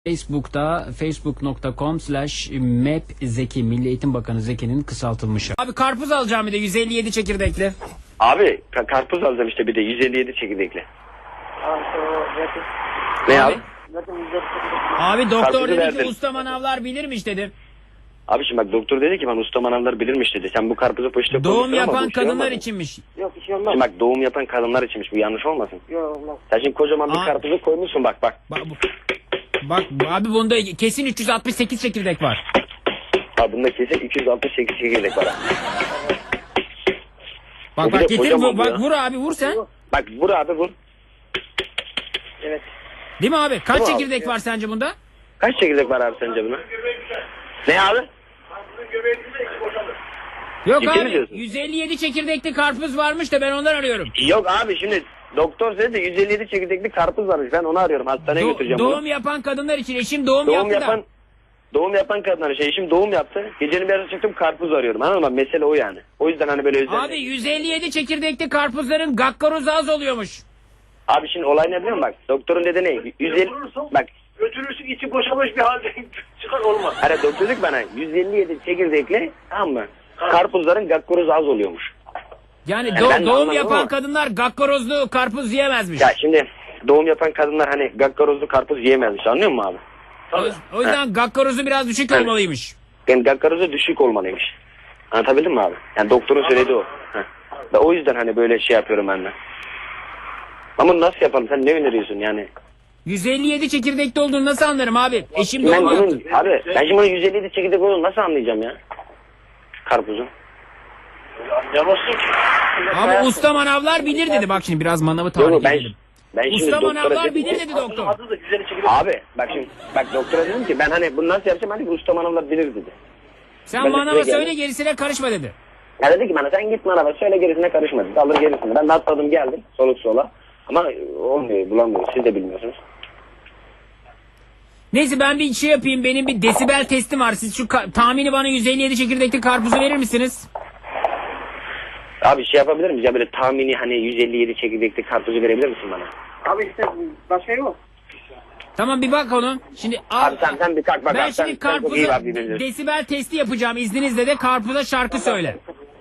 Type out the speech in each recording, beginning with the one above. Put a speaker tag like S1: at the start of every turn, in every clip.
S1: Facebook'ta facebook.com/mapzeki Milli Eğitim Bakanı Zeki'nin kısaltılmışı. Abi karpuz alacağım bir de 157 çekirdekli.
S2: Abi karpuz alacağım işte bir de 157 çekirdekli. Ne abi?
S1: Abi doktor
S2: Karpuzu
S1: dedi
S2: verdin.
S1: ki usta manavlar bilirmiş dedi.
S2: Abi şimdi bak doktor dedi ki ben usta manavlar bilirmiş dedi. Sen bu karpuzu poşete
S1: Doğum
S2: koymuşsun ama
S1: yapan
S2: bu şey
S1: kadınlar
S2: olmasın.
S1: içinmiş.
S3: Yok bir şey olmaz.
S2: Şimdi bak doğum yapan kadınlar içinmiş, bu yanlış olmasın.
S3: Yok olmaz.
S2: Sen şimdi kocaman bir
S1: Aa.
S2: karpuzu koymuşsun bak.
S1: Bak abi bunda kesin 368 çekirdek var.
S2: Abi bunda kesin 268 çekirdek var.
S1: Bak
S2: O bir de
S1: getir
S2: kocaman
S1: bak
S2: ya.
S1: vur abi vur sen.
S2: Bak vur abi vur.
S3: Evet.
S1: Değil mi abi? Kaç
S2: Vur abi.
S1: çekirdek var sence bunda?
S2: Kaç çekirdek var abi sence buna? Ne abi?
S1: Yok
S2: Ciddi mi
S1: abi
S2: diyorsun?
S1: 157 çekirdekli karpuz varmış da ben ondan arıyorum.
S2: Yok abi şimdi doktor dedi de 157 çekirdekli karpuz varmış. Ben onu arıyorum. Hastaneye götüreceğim bunu.
S1: Doğum yapan kadınlar için eşim doğum
S2: Doğum
S1: yaptı
S2: yapan
S1: da.
S2: doğum yapan kadınlar eşim doğum yaptı. Gecenin bir yarısı çıktım karpuz arıyorum. Anladın mı? Mesele o yani. O yüzden hani böyle özel.
S1: Abi 157 çekirdekli karpuzların gakkarozu az oluyormuş.
S2: Abi şimdi olay ne biliyor musun bak? Doktorun dedi ne? 150 bak.
S3: Götürürsün içi boşalmış bir halde çıkar olmaz.
S2: Hani doktor dedi ki bana 157 çekirdekli, tamam mı? Karpuzların gakkorozu az oluyormuş.
S1: Yani
S2: ben de
S1: doğum
S2: anlamadım
S1: yapan
S2: ama.
S1: kadınlar gakkarozlu karpuz yiyemezmiş.
S2: Ya şimdi doğum yapan kadınlar hani gakkarozlu karpuz yiyemezmiş, anlıyor musun abi?
S1: O yüzden gakkarozu biraz düşük
S2: Evet.
S1: olmalıymış.
S2: Yani gakkarozu düşük olmalıymış. Anlatabildim mi abi? Yani doktorun söylediği o. Heh. Ve o yüzden hani böyle şey yapıyorum ben de. Ama nasıl yapalım? Sen ne öneriyorsun yani?
S1: 157 çekirdekli olduğunu nasıl anlarım abi? Eşim
S2: Ben
S1: doğum
S2: bunun,
S1: yaptı.
S2: abi ben şimdi bunun 157 çekirdek olduğunu nasıl anlayacağım ya? Karpuzun.
S3: Yavaşsın.
S1: Abi usta manavlar bilir dedi. Bak şimdi biraz manavı
S2: Yok
S1: tarif
S2: ben
S1: edelim.
S2: şimdi
S1: Usta
S2: doktora
S1: manavlar
S2: dedim
S1: bilir
S2: ki,
S1: dedi doktor.
S3: Adı da güzel çekilir.
S2: abi bak şimdi bak doktora dedim ki ben hani bunu nasıl yapacağım, hani bu usta manavlar bilir dedi.
S1: Sen
S2: Ben de
S1: manava
S2: size
S1: söyle
S2: geldim.
S1: gerisine karışma dedi.
S2: Ya dedi ki bana sen git manava söyle, gerisine karışma dedi. Alır gerisini. Ben de atladım geldim soluk sola. Ama olmuyor, bulamıyorum, siz de bilmiyorsunuz.
S1: Neyse ben bir şey yapayım. Benim bir desibel testim var. Siz şu tahmini bana 157 çekirdekli karpuzu verir misiniz?
S2: Abi şey yapabilir miyiz ya, böyle tahmini hani 157 çekirdekli karpuzu verebilir misin bana?
S3: Abi işte başka yok.
S1: Tamam bir bak onu. Şimdi
S2: Abi sen bir kalk bak
S1: ben
S2: abi, sen
S1: şimdi
S2: çok iyi
S1: karpuza
S2: bak birbirinize.
S1: desibel testi yapacağım. İzninizle de karpuza şarkı söyle.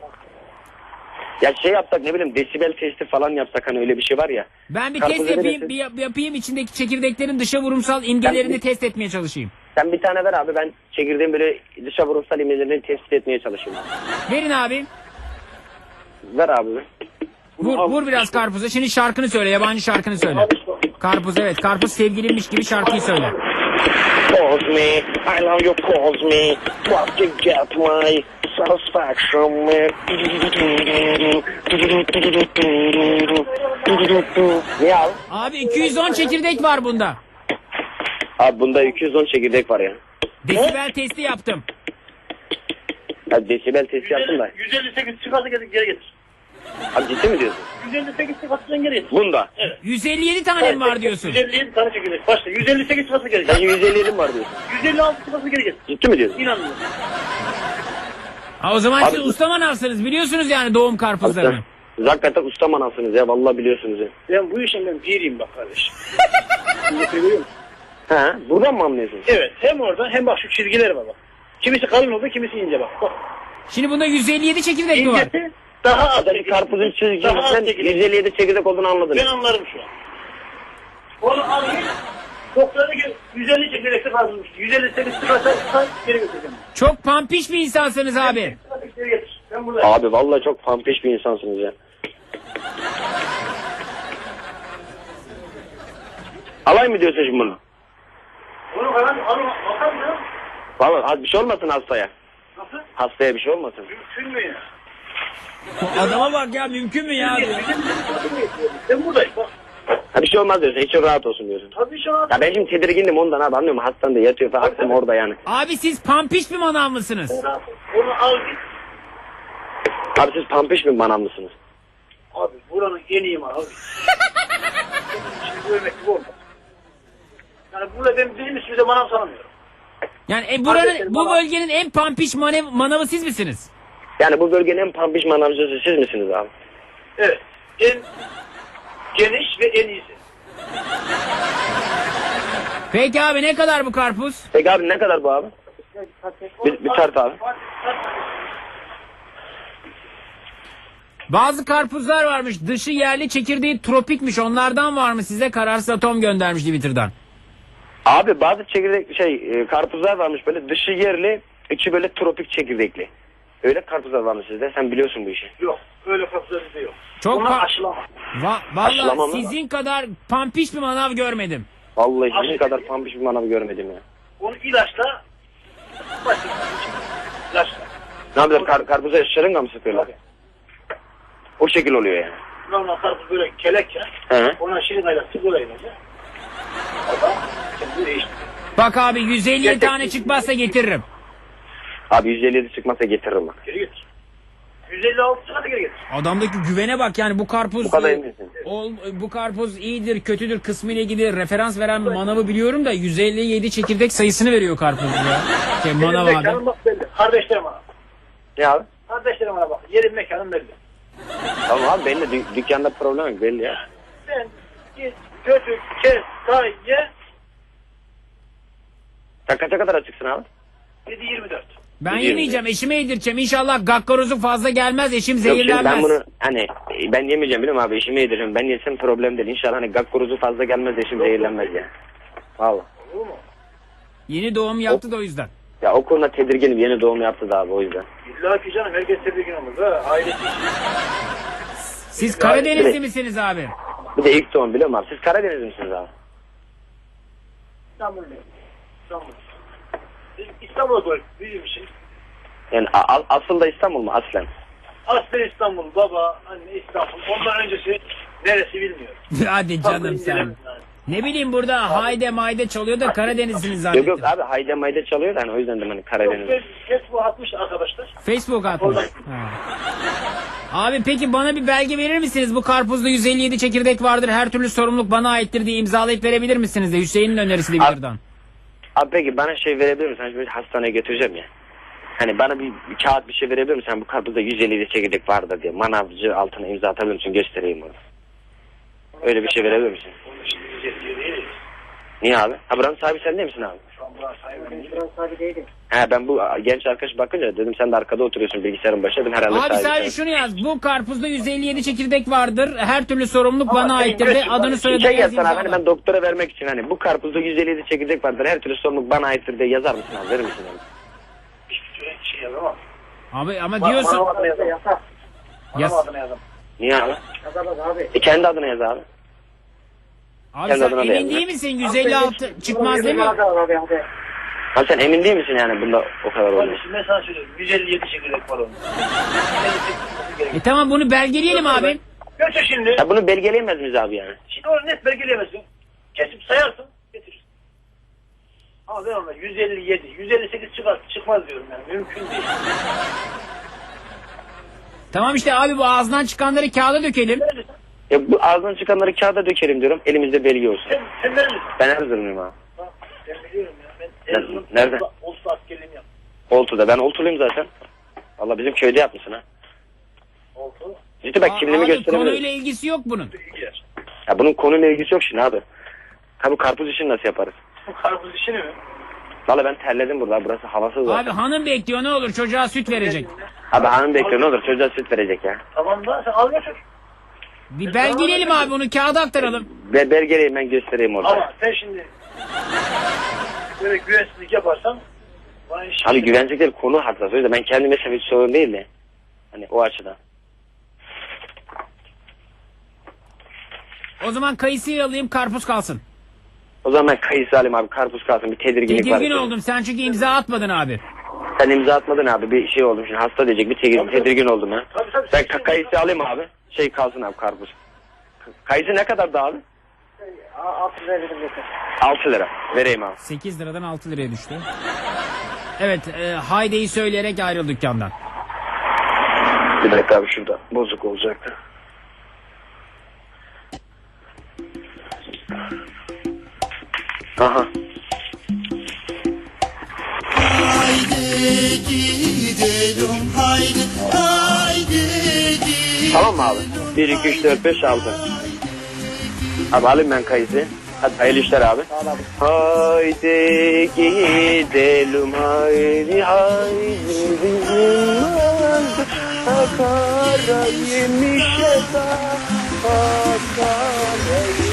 S2: Ya şey yapsak, ne bileyim, desibel testi falan yapsak, hani öyle bir şey var ya.
S1: Ben bir
S2: Karpuza
S1: test yapayım,
S2: verirsin.
S1: yapayım içindeki çekirdeklerin dışa vurumsal imgelerini
S2: Ben-
S1: test etmeye çalışayım.
S2: Sen bir tane ver abi, ben çekirdeğin böyle dışa vurumsal imgelerini tespit etmeye çalışayım.
S1: Verin abi.
S2: Ver abi.
S1: Vur biraz karpuza. Şimdi şarkını söyle, yabancı şarkını söyle. Karpuz, evet. Karpuz sevgilinmiş gibi şarkıyı söyle.
S2: Cause me, I love you, cause me, what you get my satisfaction me. Niye abi?
S1: Abi 210 çekirdek var bunda.
S2: Abi bunda 210 çekirdek var ya.
S1: Desibel testi yaptım.
S2: Ya desibel testi yaptım da.
S3: 158 çıkarsa geri getir.
S2: Abi ciddi mi diyorsun?
S3: 158 çıkarsa geri getir.
S2: Bunda.
S1: 157 tane mi var diyorsun?
S3: 157 tane çekilir. Başla. 158 çıkarsa geri
S2: Sen
S3: getir.
S2: 157 mi var diyorsun?
S3: 156 çıkarsa geri getir.
S2: Ciddi mi diyorsun?
S3: İnanmıyorum.
S1: Ha, o zaman
S2: Abi-
S1: siz usta manavsınız. Biliyorsunuz yani doğum karpuzlarını.
S2: Siz hakikaten usta manavsınız ya, vallahi biliyorsunuz ya.
S3: Ben bu işin ben piriyim bak kardeşim. Görüyor musun?
S2: Ha, buradan mı anlıyorsunuz?
S3: Evet. Hem orada hem bak şu çizgiler var bak. Kimisi kalın oldu, kimisi ince bak. Bak.
S1: Şimdi bunda 157 çekirdek mi var?
S3: İncesi daha az.
S2: Zaten karpuzun
S3: Daha az
S2: çizgisinden
S3: çekilir.
S2: 157 çekirdek olduğunu anladın.
S3: Ben anlarım şu an. Onu alayım. Doktora gel. 150 çekirdekli karpuzmuş. 158 çıkarsa geri götüreceğim.
S1: Çok pampiş bir insansınız abi.
S3: Geri getir. Ben buradayım.
S2: Abi vallahi çok pampiş bir insansınız ya. Alay mı diyorsun şimdi bunu?
S3: Onu falan alın. Bakar mı ya?
S2: Vallahi bir şey olmasın hastaya.
S3: Nasıl?
S2: Hastaya bir şey olmasın.
S3: Mümkün mü ya?
S1: Adama bak ya, mümkün mü ya? diyor.
S3: Ben buradayım bak.
S2: Ha bir şey olmaz diyorsun. İçin rahat olsun diyorsun.
S3: Tabii şu an.
S2: Ya ben şimdi tedirgindim ondan abi, anlıyor musun? Hastanede yatıyor falan, aklım orada yani.
S1: Abi siz pampiş bir manav mısınız?
S3: Onu al git.
S2: Abi siz pampiş mi manavlısınız?
S3: Abi buranın en iyi mal abi. Şimdi bu emek gibi olmaz. Yani burada ben benim üstümüze manav sanmıyorum.
S1: Yani bu bölgenin en pampiş manavı siz misiniz?
S2: Yani bu bölgenin en pampiş manavcısı siz misiniz abi?
S3: Evet. En geniş ve en iyisi.
S1: Peki abi ne kadar bu karpuz?
S2: Peki abi ne kadar bu abi? Bir tart abi.
S1: Bazı karpuzlar varmış. Dışı yerli, çekirdeği tropikmiş. Onlardan var mı size? Kararsız Atom göndermiş Twitter'dan.
S2: Abi bazı çekirdek karpuzlar varmış böyle dışı yerli, içi böyle tropik çekirdekli. Öyle karpuzlar varmış sizde. Sen biliyorsun bu işi.
S3: Yok. Öyle karpuzlar bizde yok.
S1: Çok
S3: Bunlar aşılama.
S2: Aşılama
S1: Vallahi
S2: mı?
S1: sizin kadar pampiş bir manav görmedim.
S2: Vallahi sizin
S3: Aşı-
S2: kadar pampiş bir manav görmedim ya.
S3: Onu ilaçla başka ilaçla.
S2: Ne yapıyorlar? Karpuza şırınga mı sıkıyorlar?
S3: Tabii.
S2: O şekil oluyor yani.
S3: Normal karpuz böyle kelek ya.
S2: Hı.
S3: Ona şırıngayla sigorayla. O da kendi değiştiriyor.
S1: Bak abi 157
S2: Gerçekten.
S1: tane çıkmazsa getiririm.
S2: Abi 157 çıkmasa getiririm bak.
S3: Geri getir. 156 tane geri getir.
S1: Adamdaki güvene bak yani bu karpuz
S2: Bu kadar eminsin.
S1: bu karpuz iyidir kötüdür kısmı ile ilgili referans veren manavı biliyorum da 157 çekirdek sayısını veriyor karpuz ya. Manav
S3: Yerin
S1: abi.
S3: mekanın bak belli. Kardeşlerim bana.
S2: Ne abi?
S3: Kardeşlerim bana bak. Yerin mekanın belli.
S2: Tamam abi belli. Dükkanda problem yok belli ya.
S3: Sen git götür kes say ye.
S2: Sen kaça kadar açıksın abi?
S3: 7-24.
S1: Ben
S2: Biliyorum
S1: yemeyeceğim eşime yedireceğim. İnşallah gakkarozu fazla gelmez eşim
S2: Yok şimdi
S1: zehirlenmez.
S2: ben bunu hani ben yemeyeceğim biliyorum abi işimi yediririm. Ben yesem problem değil. İnşallah hani gakkuruzu fazla gelmez eşim zehirlenmez ya. Valla.
S3: Olur mu?
S1: Yeni doğum yaptı da o yüzden.
S2: Ya o konuda tedirginim. Yeni doğum yaptı da abi o yüzden.
S3: İlla ki canım herkes tedirgin olur. Ha, ailesi için.
S1: Siz Karadenizli misiniz abi?
S2: Bir de ilk doğum biliyor musun abi? Siz Karadeniz misiniz abi?
S3: İstanbul'dayım. İstanbul. Biz İstanbul'a doğru büyümüşüz.
S2: Yani asıl da İstanbul mu aslen?
S3: Aslen İstanbul, baba, anne İstanbul. Ondan öncesi neresi bilmiyorum.
S1: Hadi canım sen.
S3: İncelemedim yani.
S1: Ne bileyim burada hayde mayde çalıyor da Karadenizlisiniz
S2: Yok
S1: zannettim.
S2: yok abi hayde mayda çalıyor da hani o yüzden de hani
S3: Yok,
S2: Karadeniz.
S3: Facebook atmış arkadaşlar.
S1: Facebook atmış. Ha. Abi peki bana bir belge verir misiniz? Bu karpuzda 157 çekirdek vardır. Her türlü sorumluluk bana aittir diye imzalayıp verebilir misiniz de? Hüseyin'in önerisi Twitter'dan.
S2: Abi peki bana şey verebilir misin? Hani şimdi hastaneye götüreceğim ya. Hani bana bir kağıt bir şey verebilir misin? Hani bu karpuzda 157 çekirdek vardır diye. Manavcı altına imza atabilir misin? Göstereyim onu. Öyle bir şey verebilir misin?
S3: Onun için biz yetkiye değiliz.
S2: Niye abi? Ha buranın sahibi sen değil misin abi?
S3: Şu an buranın sahibi değilim.
S2: He ben bu genç arkadaş bakınca dedim sen de arkada oturuyorsun bilgisayarın başında dedim herhalde
S1: Abi
S2: sahibi
S1: sadece
S2: sen.
S1: şunu yaz. Bu karpuzda 157 çekirdek vardır. Her türlü sorumluluk bana aittir de adını soyadını
S2: Şey
S1: yaz
S2: yazsana abi hani
S1: imzala.
S2: ben doktora vermek için hani bu karpuzda 157 çekirdek vardır her türlü sorumluluk bana aittir diye yazar mısın abi verir misin abi?
S3: Hiçbir şey yazamam.
S1: Abi ama diyorsun.
S3: Bana adını yazamam.
S1: Yaz.
S3: Bana adını yazamam.
S2: Niye abi?
S3: Yazamaz abi.
S2: Kendi adına yaz abi.
S1: Abi
S2: Kendi
S1: sen
S2: adına da
S1: emin
S2: yazma.
S1: değil misin? 156 çıkmaz değil mi?
S2: Abi sen emin değil misin yani bunda o kadar olduğunu?
S3: Şimdi ben sana söylüyorum. 157 çekirdek var onun. 158 gerek.
S1: Tamam bunu belgeleyelim abi.
S3: Götür şimdi.
S2: Ya bunu belgeleyemez miyiz abi yani?
S3: Şimdi onu net belgeleyemezsin. Kesip sayarsın. Getirirsin. Ama ben ona 157, 158 çıkmaz diyorum yani. Mümkün değil.
S1: Tamam işte abi bu ağzından çıkanları kağıda dökelim.
S3: Verirsin.
S2: Ya bu ağzından çıkanları kağıda dökelim diyorum elimizde belge olsun.
S3: Sen verir misin?
S2: Ben Erzurumluyum abi.
S3: Ha, ben biliyorum ya. Ben Erzurum.
S2: Nerede?
S3: Olsa askerliğimi yaptım.
S2: Oltu'da ben Oltuluyum zaten. Allah bizim köyde yapmışsın ha.
S3: Oldu.
S2: Ciddi bak kimliğimi
S1: Abi
S2: gösteremiyorum.
S1: konuyla ilgisi yok bunun.
S3: İlgiler.
S2: Ya bunun konuyla ilgisi yok şimdi abi. Ha bu karpuz işini nasıl yaparız?
S3: Bu karpuz işini mi?
S2: Valla ben terledim burada burası havasız var.
S1: Abi hanım bekliyor ne olur çocuğa süt verecek.
S2: Abi hanım bekliyor ne olur çocuğa süt verecek ya.
S3: Tamam da sen al götür.
S1: Bir belgeleyelim abi bunu kağıda aktaralım.
S2: Belgeleyim ben göstereyim orada.
S3: Ama sen şimdi böyle güvensizlik yaparsan bana iş
S2: Abi güvenecek değil konu hassas. O yüzden ben kendime hiç sorun değil de. Hani o açıdan.
S1: O zaman kayısıyı alayım karpuz kalsın.
S2: O zaman ben kayısı alayım abi karpuz kalsın bir tedirginlik var.
S1: Tedirgin oldum sen çünkü imza atmadın abi.
S2: Sen imza atmadın abi bir şey oldum şimdi hasta diyecek bir tedirgin oldum ha.
S3: Tabii.
S2: Ben kayısı alayım abi. Şey kalsın abi karpuz. Kayısı ne kadar da abi?
S3: 6 lira verim yeter.
S2: 6 lira. Vereyim abi.
S1: 8 liradan 6 liraya düştü. Evet haydeyi söyleyerek ayrıl dükkandan.
S2: Bir dakika abi şurada bozuk olacaktı. Aha.
S4: Haydi gidelim haydi haydi gidelim.
S2: Tamam mı abi? 1, 2, 3, 4, 5, 6. Abi alayım ben kayısı. Hadi hayırlı işler abi.
S3: Sağ ol abi.
S2: Haydi gidelim haydi haydi bizim vardı akara yemişe da akara